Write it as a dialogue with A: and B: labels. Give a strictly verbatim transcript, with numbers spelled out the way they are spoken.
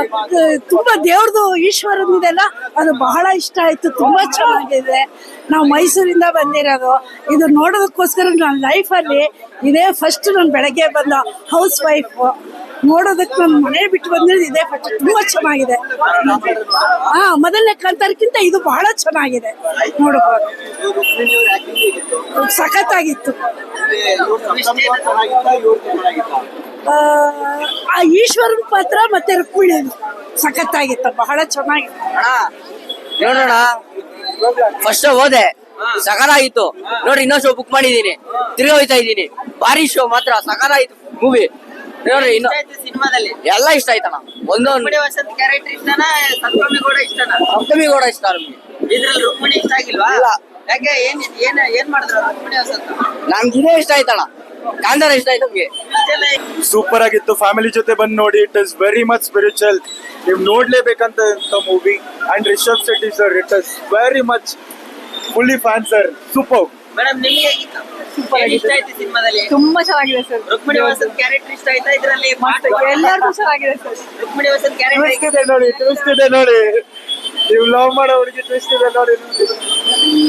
A: ತುಂಬಾ ದೇವ್ರದು ಈಶ್ವರನಿದೆಲ್ಲ ಅದು ಬಹಳ ಇಷ್ಟ ಆಯ್ತು. ತುಂಬಾ ಚೆನ್ನಾಗಿದೆ. ನಾವು ಮೈಸೂರಿಂದ ಬಂದಿರೋದು, ಇದು ನೋಡೋದಕ್ಕೋಸ್ಕರ ನನ್ನ ಲೈಫಲ್ಲಿ ಇದೇ ಫಸ್ಟ್. ನಾನು ಬೆಳಗ್ಗೆ ಬಂದ ಹೌಸ್ ವೈಫ್ ನೋಡೋದಕ್ಕೆ ನಾನು ಮನೆ ಬಿಟ್ಟು ಬಂದಿರೋದು ಇದೇ ಫಸ್ಟ್. ತುಂಬಾ ಚೆನ್ನಾಗಿದೆ. ಹಾ, ಮೊದಲನೇ ಕಾಂತಾರಕ್ಕಿಂತ ಇದು ಬಹಳ ಚೆನ್ನಾಗಿದೆ. ನೋಡಬಹುದು, ಸಖತ್ತಾಗಿತ್ತು. ಆ ಈಶ್ವರನ ಪಾತ್ರ ಮತ್ತೆ ರುಕ್ಮಿಣಿ ಸಖತ್ತಾಗಿತ್ತು, ಬಹಳ ಚೆನ್ನಾಗಿತ್ತು.
B: ನೋಡೋಣ, ಫಸ್ಟ್ ಹೋದೆ ಸಖತ್ತಾಗಿತ್ತು. ನೋಡಿ, ಇನ್ನೊಂದು ಶೋ ಬುಕ್ ಮಾಡಿದೀನಿ, ತಿರ್ಗಿ ಹೋಯ್ತಾ ಇದ್ದೀನಿ. ಭಾರಿ ಶೋ ಮಾತ್ರ ಸಖತ್ತಾಗಿತ್ತು ಮೂವಿ. ನೋಡ್ರಿ, ಇನ್ನು ಎಲ್ಲ ಇಷ್ಟ ಆಯ್ತಣ್ಣ. ಒಂದೊಂದು
C: ಕ್ಯಾರೆಕ್ಟರ್ ಇಷ್ಟನಾ, ಸಪ್ತಮಿ ಕೂಡ ಇಷ್ಟನಾ?
B: ಸಪ್ತಮಿ ಕೂಡ ಇಷ್ಟ ನಮ್ಗೆ.
C: ಇದ್ರಲ್ಲಿ ರುಕ್ಮಿಣಿ ಇಷ್ಟ ಆಗಿಲ್ವಾ? ಯಾಕೆ, ಏನ್ ಏನ್ ಏನ್ ಮಾಡಿದ್ರು ರುಕ್ಮಿಣಿ ವಸಂತ?
B: ನಮ್ಗೆ ಇದೇ ಇಷ್ಟ ಆಯ್ತಣ್ಣ, ಕಾಂತಾರ ಇಷ್ಟ ಆಯ್ತು ನಮ್ಗೆ.
D: ಸೂಪರ್ ಆಗಿತ್ತು. ಫ್ಯಾಮಿಲಿ ಜೊತೆ ಬಂದು ನೋಡಿ. It is very much spiritual. ನೀವು ನೋಡ್ಲೇಬೇಕಂತ movie. And Rishab Shetty sir, it is very much fully fan sir. Super
C: madam, ನಿಮಗೆ ಹೇಗಿತ್ತು?
A: ಸೂಪರ್
C: ಇಷ್ಟ ಆಯ್ತು ಸಿನಿಮಾದಲ್ಲಿ?
A: ತುಂಬಾ ಚೆನ್ನಾಗಿದೆ ಸರ್.
C: ರುಕ್ಮಿಣಿ ವಸಂತ್ ಕ್ಯಾರೆಕ್ಟರ್ ಇಷ್ಟ ಆಯ್ತಾ ಇದ್ರಲ್ಲಿ?
A: ಎಲ್ಲರಿಗೂ ಚೆನ್ನಾಗಿದೆ sir.
C: Rukmini Vasanth character
D: twist ಇದೆ ನೋಡಿ, ಟ್ವಿಸ್ಟ್ ಇದೆ ನೋಡಿ. ನೀವು ಲವ್ ಮಾಡೋ ಹುಡುಗಿ ಟ್ವಿಸ್ಟ್ ಇದೆ ನೋಡಿ.